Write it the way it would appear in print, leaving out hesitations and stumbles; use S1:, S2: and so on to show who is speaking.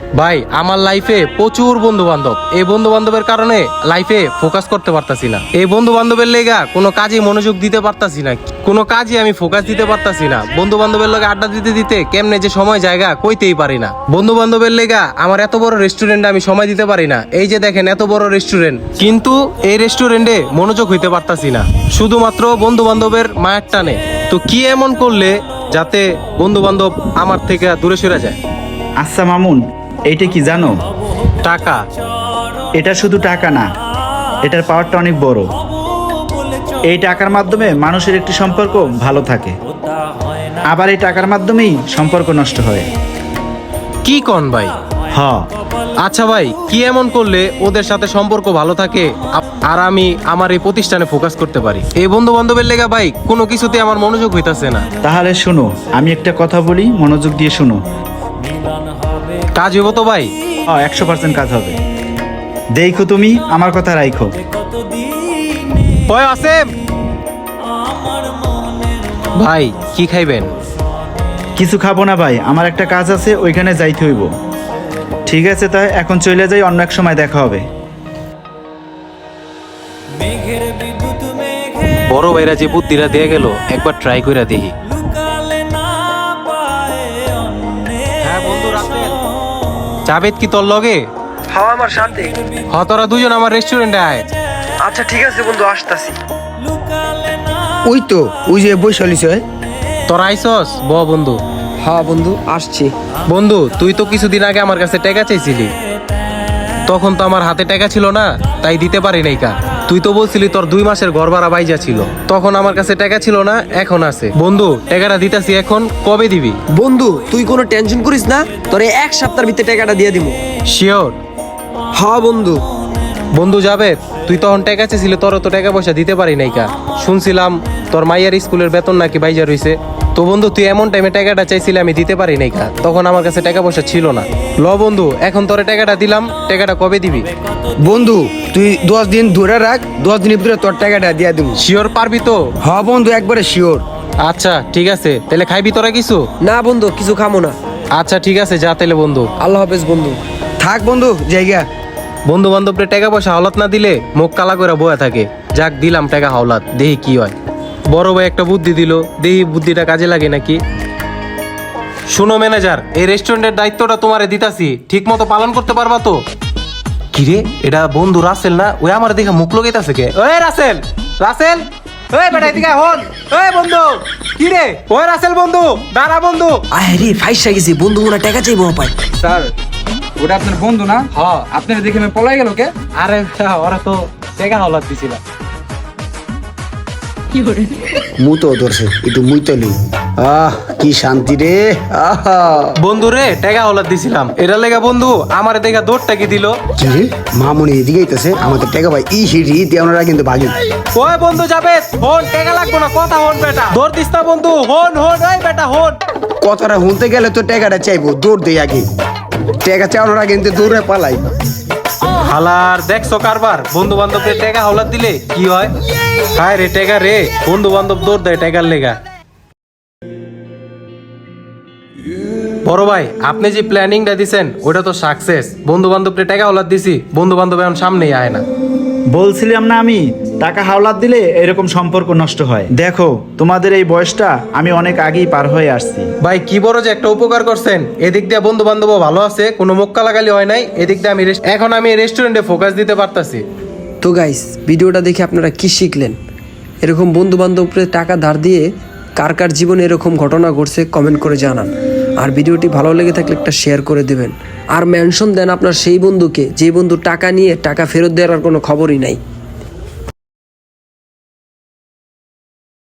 S1: ভাই আমার লাইফে প্রচুর বন্ধু বান্ধব, এই বন্ধু বান্ধবের কারণে লাইফে ফোকাস করতে পারতাছি না। এই বন্ধু বান্ধবের লেগা কোনো কাজে মনোযোগ দিতে পারতাছি না, কোনো কাজে আমি ফোকাস দিতে পারতাছি না। বন্ধু বান্ধবের লগে আড্ডা দিতে দিতে কেমনে যে সময় জায়গা কইতেই পারি না। বন্ধু বান্ধবের লেগা আমার এত বড় রেস্টুরেন্টে আমি সময় দিতে পারি না। এই যে দেখেন এত বড় রেস্টুরেন্ট, কিন্তু এই রেস্টুরেন্টে মনোযোগ হইতে পারতাছি না, শুধুমাত্র বন্ধু বান্ধবের মায়ের টানে। তো কি এমন করলে যাতে বন্ধু বান্ধব আমার থেকে দূরে সরে যায়?
S2: আচ্ছা মামুন, এইটা কি জানো?
S1: টাকা।
S2: এটা শুধু টাকা না, এটার পাওয়ারটা অনেক বড়। এই টাকার মাধ্যমে মানুষের একটি সম্পর্ক ভালো থাকে, আবার এই টাকার মাধ্যমেই সম্পর্ক নষ্ট হয়।
S1: কি কন ভাই?
S2: হ,
S1: আচ্ছা ভাই, কি এমন করলে ওদের সাথে সম্পর্ক ভালো থাকে আর আমি আমার এই প্রতিষ্ঠানে ফোকাস করতে পারি? এই বন্ধু বান্ধবের লেগা ভাই কোনো কিছুতে আমার মনোযোগ হইতাছে না।
S2: তাহলে শোনো, আমি একটা কথা বলি, মনোযোগ দিয়ে শোনো।
S1: কাজ হইব তো ভাই?
S2: 100% কাজ হবে। দেখো, তুমি আমার কথা রাখো।
S1: ওই আসেম ভাই, কি খাইবেন?
S2: কিছু খাবো না ভাই, আমার একটা কাজ আছে, ওইখানে যাইতে হইব। ঠিক আছে, তাই এখন চলে যাই, অন্য এক সময় দেখা হবে।
S1: বড় ভাইরা যে বুদ্ধিরা দিয়ে গেল, একবার ট্রাই কইরা দেখি। হ্যাঁ বন্ধু রাসেল, জাবেদ কি তোর লগে?
S3: হ্যাঁ আমার সাথে।
S1: তোরা দুজন আমার রেস্টুরেন্টে আয়।
S3: আচ্ছা ঠিক আছে বন্ধু, আসতাছি।
S4: ওই তো ওই যে বৈশালিস হয়।
S1: তোরা আইসস? বন্ধু।
S4: হ্যাঁ বন্ধু আসছি।
S1: বন্ধু, তুই তো কিছুদিন আগে আমার কাছে টাকা চাইছিলি, তখন তো আমার হাতে টাকা ছিল না, তাই দিতে পারি নাই কা। তুই তো বলছিলি তোর 2 মাসের ঘর ভাড়া বাইজা ছিল, তখন আমার কাছে টাকা ছিল না, এখন আছে। বন্ধু টাকাটা দিতাছি, এখন কবে দিবি?
S4: বন্ধু তুই কোনো টেনশন করিস না, তোরে 1 সপ্তাহের ভিতরে টাকাটা দিয়ে দিব।
S1: শিওর?
S4: হ্যাঁ বন্ধু।
S1: বন্ধু যাবে, তুই তখন টাকা চেয়েছিলি, তোর তো টাকা পয়সা দিতে পারি নাই কা। শুনছিলাম তোর মাইয়ার স্কুলের বেতন নাকি বাইজা রইছে। তো বন্ধু তুই এমন টাইমে টাকাটা চাইছিলি, আমি দিতে পারি নাই কা, তখন আমার কাছে টাকা পয়সা ছিল না। বন্ধু এখন তোরে টাকাটা দিলাম, টাকাটা কবে দিবি?
S4: বন্ধু তুই 10 দিন ধরে রাখ, 10 দিনের ভিতরে তোর টাকাটা দিয়ে দিব।
S1: শিওর পারবি তো?
S4: হ্যাঁ বন্ধু একবারে শিওর।
S1: আচ্ছা ঠিক আছে, তাহলে খাইবি তোরা কিছু?
S4: না বন্ধু কিছু খামো না।
S1: আচ্ছা ঠিক আছে, যা তাহলে বন্ধু।
S4: আল্লাহ হাফেজ বন্ধু। থাক বন্ধু জায়গা।
S1: বন্ধু বান্ধবরে টাকা পয়সা হাওলাত না দিলে মুখ কালা করে বয়া থাকে। যাক দিলাম টাকা হাওলাত, দেখি কি হয়। বড় ভাই একটা বুদ্ধি দিল, দেখি বুদ্ধিটা কাজে লাগে নাকি। শুনো ম্যানেজার, এই রেস্টুরেন্টের দায়িত্বটা তোমারে দিতাছি, ঠিক মতো পালন করতে পারবা তো? কিরে, এটা বন্ধু রাসেল না? ওই আমার দেখে মুখ লগাইতাছে কে? ওই রাসেল, রাসেল, ওই বেটা এদিকে হন। ওই বন্ধু, কিরে? ওই রাসেল বন্ধু, দাঁড়া বন্ধু।
S4: আরে ফাইসা গেছি, বন্ধু ওরা টাকা চাইবো পাই।
S5: স্যার, ওটা আপনার বন্ধু না?
S1: হ্যাঁ।
S5: আপনার দেখে আমি পলাই গেল কে?
S1: আরে ওরা তো টাকা হাওলাত দিছিল।
S4: মু তো ধরছে একটু মুই তো নি। কি শান্তি রে।
S1: বন্ধু রে, টাকা হাওলাত দিছিলাম, এটা লেগা বন্ধু আমার দেখা দৌড়টা কি দিল।
S4: কি রে মামুনি এদিকে আইতাছে, আমাদের টাকা ভাই ই হিড়ি দেওয়ারা কিন্তু ভাগি।
S1: ওই বন্ধু যাবে, হন টাকা লাগবো না, কথা হন বেটা, দৌড় দিস না বন্ধু, হন হন, ওই বেটা হন।
S4: কথাটা শুনতে গেলে তো টাকাটা চাইবো, দৌড় দেই আগে। টাকা চাওয়ার আগে কিন্তু দৌড়ে পালাই।
S1: হালার দেখছো কারবার, বন্ধু বান্ধবদের টাকা হাওলাত দিলে কি হয়? হায় রে টাকা রে, বন্ধু বান্ধব দৌড় দেয় টাকার লেগা। বড় ভাই, আপনি যে প্ল্যানিংটা দিছেন ওটা তো সাকসেস। বন্ধু বান্ধবদের টাকা হাওলাত দিছি, বন্ধু বান্ধব এখন সামনেই আয় না।
S2: বলছিলাম না আমি, টাকা হাওলাত দিলে এরকম সম্পর্ক নষ্ট হয়। দেখো, তোমাদের এই বয়সটা আমি অনেক আগেই পার হয়ে আসছি।
S1: ভাই কি বড় যে একটা উপকার করছেন, এদিক দিয়ে বন্ধু বান্ধব ভালো আছে, কোনো মুখ কালাগালি হয় নাই, এদিক দিয়ে এখন আমি রেস্টুরেন্টে ফোকাস দিতে পারতাছি।
S6: তো গাইস, ভিডিওটা দেখে আপনারা কি শিখলেন? এরকম বন্ধু বান্ধবকে টাকা ধার দিয়ে কার কার জীবনে এরকম ঘটনা ঘটছে কমেন্ট করে জানান। আর ভিডিওটি ভালো লেগে থাকলে একটা শেয়ার করে দেবেন, আর মেনশন দেন আপনার সেই বন্ধুকে যে বন্ধু টাকা নিয়ে টাকা ফেরত দেওয়ার কোনো খবরই নাই।